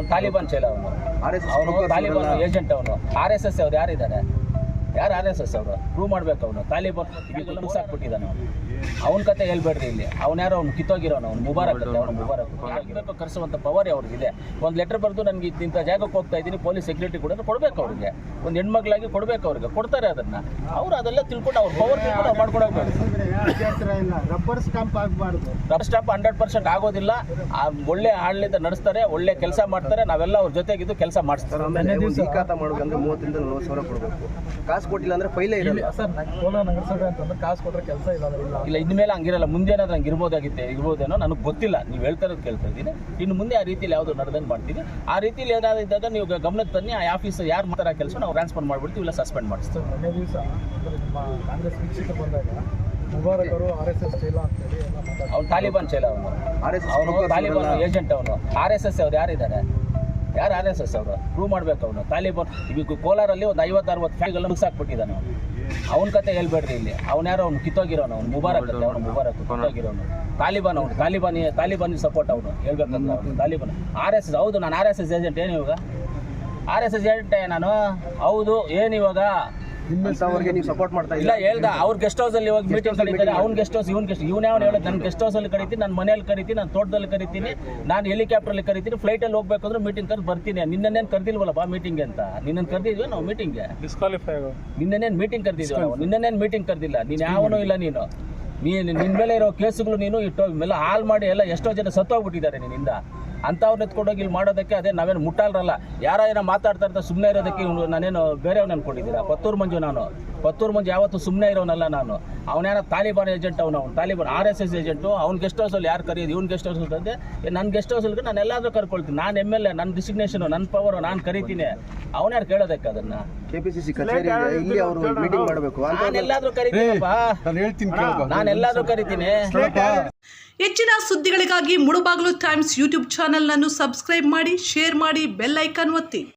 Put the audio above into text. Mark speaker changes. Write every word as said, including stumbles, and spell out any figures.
Speaker 1: ಅವ್ನು ತಾಲಿಬಾನ್ ಚೈಲ ಅವನು ಅವನು ತಾಲಿಬಾನ್ ಏಜೆಂಟ್ ಅವನು ಆರ್ ಎಸ್ ಎಸ್ ಅವ್ರು ಯಾರಿದ್ದಾರೆ ಯಾರು ಆರ್ ಎಸ್ ಎಸ್ ಅವರು ಪ್ರೂವ್ ಮಾಡ್ಬೇಕು ಅವನು ತಾಲಿಬಾನ್ ಈಗೆಲ್ಲ ಮುಗಿಸಾಕ್ಬಿಟ್ಟಿದ್ದಾನೆ ಅವನು ಅವನ ಕತೆ ಹೇಳ್ಬೇಡ್ರಿ ಇಲ್ಲಿ ಅವ್ನು ಯಾರೋ ಅವ್ನು ಕಿತ್ತೋಗಿರೋನು ಅವ್ನು ಮುಬಾರಕ್ ಕತೆ ಅವ್ನು ಮುಬಾರಕ್ ಆಗಬೇಕು ಕರೆಸುವಂಥ ಪವರ್ ಅವ್ರಿಗಿದೆ. ಒಂದು ಲೆಟರ್ ಬರೆದು ನನಗೆ ಇಂಥ ಜಾಗಕ್ಕೆ ಹೋಗ್ತಾ ಇದ್ದೀನಿ ಪೊಲೀಸ್ ಸೆಕ್ಯೂರಿಟಿ ಕೂಡ ಕೊಡಬೇಕು ಅವ್ರಿಗೆ, ಒಂದು ಹೆಣ್ಮಕ್ಳಾಗಿ ಕೊಡಬೇಕು ಅವ್ರಿಗೆ, ಕೊಡ್ತಾರೆ ಅದನ್ನು. ಅವ್ರು ಅದೆಲ್ಲ ತಿಳ್ಕೊಂಡು ಅವ್ರ ಪವರ್ ತಿಳ್ಕೊಂಡು ಅವ್ರು ಮಾಡ್ಕೊಡೋಗ್ಬೇಕು.
Speaker 2: ರಬ್ಬರ್ ಸ್ಟಾಂಪ್ ಆಗಬಾರ್ದು.
Speaker 1: ರಬ್ಬರ್ ಸ್ಟಾಂಪ್ ಹಂಡ್ರೆಡ್ ಪರ್ಸೆಂಟ್ ಆಗೋದಿಲ್ಲ. ಒಳ್ಳೆ ಆಡಳಿತ ನಡೆಸ್ತಾರೆ, ಒಳ್ಳೆ ಕೆಲಸ ಮಾಡ್ತಾರೆ, ನಾವೆಲ್ಲ ಅವ್ರ ಜೊತೆಗಿದ್ದು ಕೆಲಸ ಮಾಡಿಸ್ತಾರೆ.
Speaker 3: ಮಾಡೋದಂದ್ರೆ ಮೂವತ್ತರಿಂದ ನಲವತ್ತು ಸಾವಿರ ಕೊಡಬೇಕು. ಕಾಸು ಕೊಟ್ಟಿಲ್ಲ ಅಂದ್ರೆ ಫೈಲೇ ಇರಲ್ಲ
Speaker 2: ಸರ್. ಕೋಲಾರ ನಗರಸಭೆ ಅಂತಂದ್ರೆ ಕಾಸು ಕೊಟ್ಟರೆ ಕೆಲಸ ಇಲ್ಲ
Speaker 1: ಇಲ್ಲ ಇನ್ಮೇಲೆ ಹಂಗಿರಲ್ಲ. ಮುಂದೇನಾದ್ರು ಹಂಗೆ ಇರ್ಬೋದಾಗಿತ್ತೆ ಇರ್ಬೋದೇನೋ ನನಗೆ ಗೊತ್ತಿಲ್ಲ. ನೀವು ಹೇಳ್ತಾ ಇರೋದು ಕೇಳ್ತಾ ಇದ್ದೀನಿ. ಇನ್ನು ಮುಂದೆ ಆ ರೀತಿಯಲ್ಲಿ ಯಾವುದು ನಡೆದಂಗೆ ಮಾಡ್ತೀವಿ. ಆ ರೀತಿಯಲ್ಲಿ ಏನಾದ್ರು ಇದ್ದಾಗ ನೀವು ಗಮನಕ್ಕೆ ತನ್ನಿ. ಆ ಆಫೀಸ್ ಯಾರು ಮಾಡ್ತಾರೆ ಕೆಲಸ ನಾವು ಟ್ರಾನ್ಸ್ಫರ್ ಮಾಡಿಬಿಡ್ತೀವಿ, ಇಲ್ಲ ಸಸ್ಪೆಂಡ್ ಮಾಡಿಸ್ತೀವಿ.
Speaker 2: ಮೊನ್ನೆ ದಿವಸ ನಿಮ್ಮ ಕಾಂಗ್ರೆಸ್ ವೀಕ್ಷಕರು ಬಂದಾಗ ಮುಬಾರಕ್ ಅವರು ಆರ್ ಎಸ್ ಎಸ್ ಚೈಲ ಅಂತೇಳಿ ಎಲ್ಲ ಮಾತಾಡ್ತಾರೆ.
Speaker 1: ಅವ್ನು ತಾಲಿಬಾನ್ ಚೈಲ ಅವನು ಅವನು ತಾಲಿಬಾನ್ ಏಜೆಂಟ್ ಅವನು ಆರ್ ಎಸ್ ಎಸ್ ಅವ್ರು ಯಾರಿದ್ದಾರೆ ಯಾರು ಆರ್ ಎಸ್ ಎಸ್ ಅವರು ಪ್ರೂವ್ ಮಾಡ್ಬೇಕು ಅವನು ತಾಲಿಬಾನ್. ಈಗ ಕೋಲಾರಲ್ಲಿ ಒಂದು ಐವತ್ತು ಅರವತ್ತು ಫ್ಯಾಕ್ಟ್ರಿಗಳನ್ನ ಮುಗಿಸಾಕ್ಬಿಟ್ಟಿದ್ದಾನೆ ಅವನು. ಅವನ ಕತೆ ಹೇಳ್ಬೇಡ್ರಿ ಇಲ್ಲಿ ಅವ್ನು ಯಾರೋ ಅವ್ನು ಕಿತ್ತೋಗಿರೋನು ಅವ್ನು ಮುಬಾರಕ್ ಕತೆ ಅವನು ಮುಬಾರಕ್ ಕಿತ್ತೋಗಿರೋನು ತಾಲಿಬಾನ್ ಅವನು ತಾಲಿಬಾನ್ ತಾಲಿಬಾನ್ ಸಪೋರ್ಟ್ ಅವನು ಹೇಳ್ಬೇಕಂದ್ರೆ ಅವನು ತಾಲಿಬಾನ್ ಆರ್ ಎಸ್ ಎಸ್. ಹೌದು ನಾನು ಆರ್ ಎಸ್ ಎಸ್ ಏಜೆಂಟ್ ಏನು ಇವಾಗ ಆರ್ ಎಸ್ ಎಸ್ ಏಜೆಂಟೇ ನಾನು. ಹೌದು ಏನು ಇವಾಗ
Speaker 3: ನೀವು ಸಪೋರ್ಟ್ ಮಾಡ್ತಾ
Speaker 1: ಇಲ್ಲ ಹೇಳ್ದ ಅವ್ರ ಗೆಸ್ಟ್ ಹೌಸ್ ಅಲ್ಲಿ ಇವಾಗ ಮೀಟಿಂಗ್ ಕರೀತಾರೆ. ಅವ್ನ ಗೆಸ್ಟ್ ಹೌಸ್ ಇವ್ನ ಗೆಸ್ಟ್ ಇವ್ನ ಯಾವ ಹೇಳೋದು ನನ್ನ ಗೆಸ್ಟ್ ಹೌಸ್ ಅಲ್ಲಿ ಕರಿತೀನಿ, ನನ್ನ ಮನೆಯಲ್ಲಿ ಕರಿತೀನಿ, ನಾನು ತೋಟದಲ್ಲಿ ಕರಿತೀನಿ, ನಾನು ಹೆಲಿಕಾಪ್ಟರ್ ಕರಿತೀನಿ, ಫ್ಲೈಟ್ ಅಲ್ಲಿ ಹೋಗ್ಬೇಕು ಅಂದ್ರೆ ಮೀಟಿಂಗ್ ಕರೆದು ಬರ್ತೀನಿ. ನಿನ್ನೇನು ಕರೆದಿಲ್ವಲ್ಲ ಬಾ ಮೀಟಿಂಗ್ ಅಂತ. ನಿನ್ನನ್ನು ಕರೆದಿದ್ವಿ ನಾವು ಮೀಟಿಂಗ್ಗೆ
Speaker 2: ಡಿಸ್ಕ್ವಾಲಿಫೈ ಆಗೋ
Speaker 1: ನಿನ್ನೇನು ಮೀಟಿಂಗ್ ಕರೆದಿದ್ವಿ ನಾವು. ನಿನ್ನೇನು ಮೀಟಿಂಗ್ ಕರೆದಿಲ್ಲ. ನೀನು ಯಾವನೂ ಇಲ್ಲ. ನೀನು ನೀನು ನಿನ್ನ ಮೇಲೆ ಇರೋ ಕೇಸುಗಳು ನೀನು ಇಟ್ಟು ಮೇಲೆ ಹಾಳು ಮಾಡಿ ಎಲ್ಲ ಎಷ್ಟೋ ಜನ ಸತ್ತೋಗ್ಬಿಟ್ಟಿದ್ದಾರೆ ನಿನ್ನಿಂದ. ಅಂಥವ್ರನ್ನ ಎತ್ಕೊಂಡೋಗಿ ಇಲ್ಲಿ ಮಾಡೋದಕ್ಕೆ ಅದೇ ನಾವೇನು ಮುಟ್ಟಾಲ್ರಲ್ಲ. ಯಾರೋ ಏನೋ ಮಾತಾಡ್ತಾ ಇರ್ತಾರೆ ಸುಮ್ಮನೆ ಇರೋದಕ್ಕೆ ನಾನೇನು ಬೇರೆಯವ್ನು ಅನ್ಕೊಂಡಿದ್ದೀರಾ? ಪತ್ತೂರು ಮಂಜು ನಾನು ಪತ್ತೂರು ಮಂಜು ಯಾವತ್ತೂ ಸುಮ್ಮನೆ ಇರೋನಲ್ಲ ನಾನು. ಅವನೇನೋ ತಾಲಿಬಾನ್ ಏಜೆಂಟ್ ಅವನು ಅವ್ನು Taliban R S S agent. ಅವ್ನ ಗೆಸ್ಟ್ ಹೌಸಲ್ಲಿ ಯಾರು ಕರೆಯೋದು? ಇವ್ನ ಗೆಸ್ಟ್ ಹೌಸ್ ಅಂತಂದೆ ನನ್ನ ಗೆಸ್ಟ್ ಹೌಸಲ್ಲಿ ನಾನು ಎಲ್ಲಾದರೂ ಕರ್ಕೊಳ್ತೀನಿ. ನಾನು ಎಮ್ ಎಲ್ ಎ, ನನ್ನ ಡಿಸಿಗ್ನೇಷನು, ನನ್ನ ಪವರು, ನಾನು ಕರಿತೀನಿ. ಅವನ್ಯಾರು ಕೇಳೋದಕ್ಕೆ ಅದನ್ನು?
Speaker 3: ಕೆಪಿಸಿಸಿ ಕಚೇರಿ ಇಲ್ಲಿ ಅವರು ಮೀಟಿಂಗ್ ಮಾಡಬೇಕು.
Speaker 1: ನಾನು ಎಲ್ಲಾದರೂ ಕರಿತೀನಪ್ಪ, ನಾನು ಎಲ್ಲಾದರೂ ಕರಿತೀನಿ.
Speaker 4: ಹೆಚ್ಚಿನ ಸುದ್ದಿಗಳಿಗಾಗಿ ಮುಳುಬಾಗಿಲು ಟೈಮ್ಸ್ ಯೂಟ್ಯೂಬ್ ಚಾನೆಲ್ ಅನ್ನು ಸಬ್ಸ್ಕ್ರೈಬ್ ಮಾಡಿ, ಶೇರ್ ಮಾಡಿ, ಬೆಲ್ ಐಕಾನ್ ಒತ್ತಿ.